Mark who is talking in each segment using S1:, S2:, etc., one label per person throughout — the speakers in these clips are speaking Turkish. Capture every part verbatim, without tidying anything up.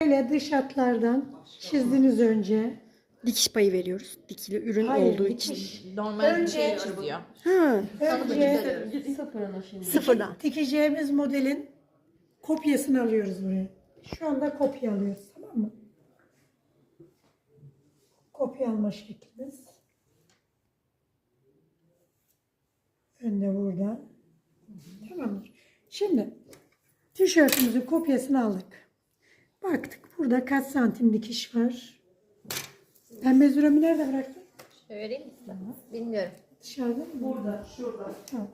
S1: Böyle dış hatlardan çizdiniz önce.
S2: Dikiş payı veriyoruz. Dikili ürün
S1: Hayır,
S2: olduğu
S1: dikiş.
S2: için.
S3: Normal bir
S1: Önce-
S3: şey çiziyor.
S2: Ha,
S1: Önce
S2: sıfırdan.
S1: dikeceğimiz modelin kopyasını alıyoruz buraya. Şu anda kopya alıyoruz, tamam mı? Kopya alma şeklimiz. Önde burada. Tamamdır. Şimdi tişörtümüzün kopyasını aldık. Baktık burada kaç santim dikiş var. Ben mezuramı nerede bıraktım?
S4: Öğreneyim mi size? Bilmiyorum.
S1: Dışarıda mı? Burada, şurada. Tamam.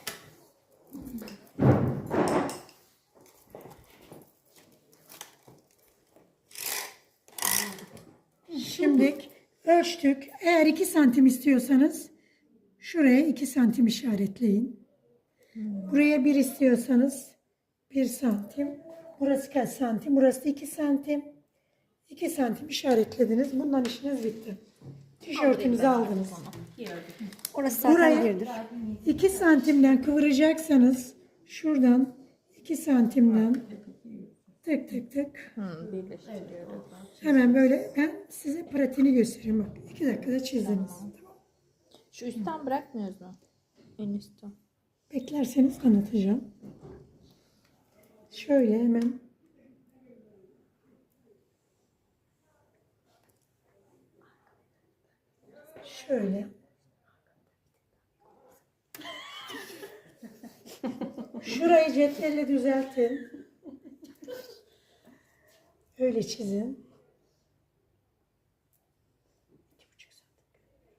S1: Şimdi ölçtük. Eğer iki santim istiyorsanız şuraya iki santim işaretleyin. Buraya bir istiyorsanız bir santim. Burası kaç santim? Burası iki santim. iki santim işaretlediniz. Bundan işiniz bitti. Tişörtünüzü aldınız.
S2: Orası zaten
S1: Buraya
S2: birdir.
S1: iki santimden kıvıracaksanız şuradan iki santimden tık tık tık hemen böyle ben size pratiğini göstereyim. Bak iki dakikada çizdiniz. Tamam.
S3: Şu üstten bırakmıyoruz mu? En üstten.
S1: Beklerseniz anlatacağım. Şöyle hemen şöyle şurayı cetvelle düzeltin. Öyle çizin. İki buçuk santim.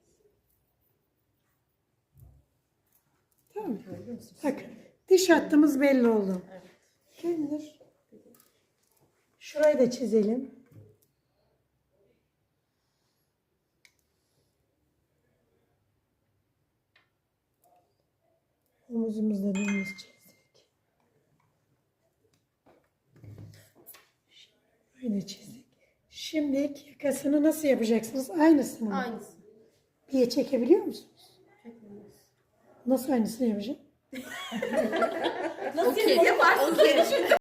S1: Tamam mı? Bakın diş hattımız belli oldu. Kimdir? Şurayı da çizelim. Omuzumuzda dümdüz çizdik. Böyle çizdik. Şimdi yakasını nasıl yapacaksınız? Aynısını mı?
S4: Aynısı.
S1: Bir çekebiliyor musunuz? Nasıl aynısını yapacağım?
S3: Nasıl yaparsın?